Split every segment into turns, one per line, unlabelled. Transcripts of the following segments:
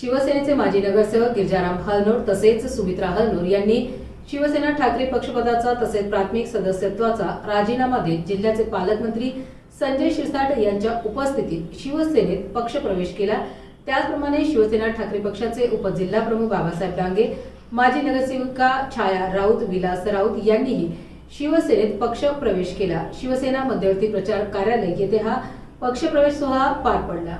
शिवसेनेचे माजी नगरसेवक गिरजाराम हलनोर तसेच सुमित्रा हलनोर यांनी शिवसेना ठाकरे पक्षपदाचा तसेच प्राथमिक सदस्यत्वाचा राजीनामा देत जिल्ह्याचे पालकमंत्री संजय शिरसाट यांच्या उपस्थितीत शिवसेनेत पक्षप्रवेश केला। त्याचप्रमाणे शिवसेना ठाकरे पक्षाचे उपजिल्हाप्रमुख बाबासाहेब डांगे, माजी नगरसेविका छाया राऊत, विलास राऊत यांनीही शिवसेनेत पक्षप्रवेश केला। शिवसेना मध्यवर्ती प्रचार कार्यालय येथे हा पक्षप्रवेश सोहळा पार पडला।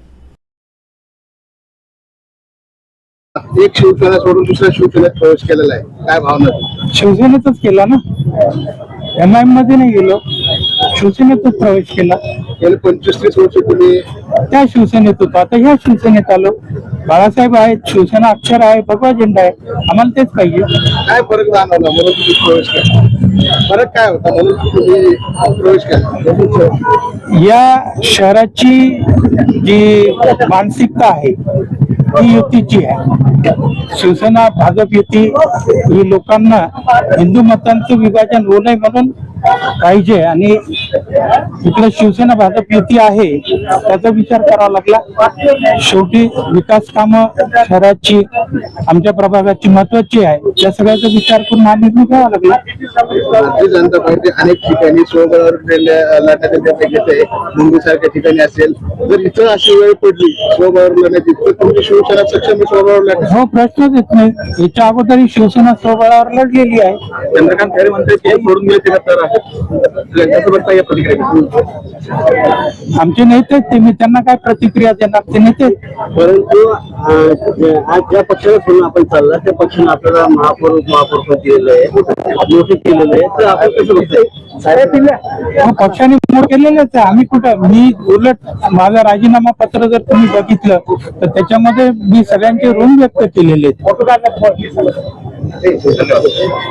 एक शिवसेना सोडून दुसऱ्या शिवसेनेत प्रवेश केलेला आहे, काय भावना?
शिवसेनेतच केला ना, MIM मध्ये नाही गेलो, शिवसेनेतच प्रवेश केला।
गेले 25-30 वर्ष तुम्ही
त्या शिवसेनेत होतो, आता ह्या शिवसेनेत आलो। बाळासाहेब आहेत, शिवसेना अक्षर आहे, भगवा झेंडा आहे, आम्हाला तेच पाहिजे।
काय फरक जाणवला म्हणून तुम्ही प्रवेश केला? फरक काय होता म्हणून तुम्ही प्रवेश केला?
या शहराची जी मानसिकता आहे ती युतीची आहे। शिवसेना भाजप युती ही लोकांना हिंदू मतांचं विभाजन होऊ नये म्हणून पाहिजे आणि इकडे शिवसेना भाजप युती आहे त्याचा विचार करावा लागला। शेवटी विकास कामं शहराची आमच्या प्रभागाची महत्वाची आहे, त्या सगळ्याचा विचार करून हा निर्णय घ्यावा लागला।
भारतीय जनता पार्टी अनेक ठिकाणी स्वबळावर लढण्याचा निर्णय घेते, मुंबईसारख्या ठिकाणी असेल, जर इथं अशी वेळ पडली स्वबळावर लढण्याची तर तुमची शिवसेना सक्षम स्वबळावर लढणार?
हो, प्रश्नच येत नाही। याच्या अगोदर शिवसेना स्वबळावर लढलेली आहे।
चंद्रकांत खैरे म्हणतात की सोडून गेले तर
आमचे नेते ते, मी त्यांना काय प्रतिक्रिया देणार, ते नेते।
परंतु आज ज्या पक्षाला सोडून आपण चालला त्या पक्षाने आपल्याला महापौर दिलेलं आहे, मोठे केलेलं आहे, तर आपण कसं बघतोय?
पक्षाने मोठ केलेलेच आहे। आम्ही कुठं, मी उलट माझा राजीनामा पत्र जर तुम्ही बघितलं तर त्याच्यामध्ये मी सगळ्यांचे ऋण व्यक्त केलेले आहेत।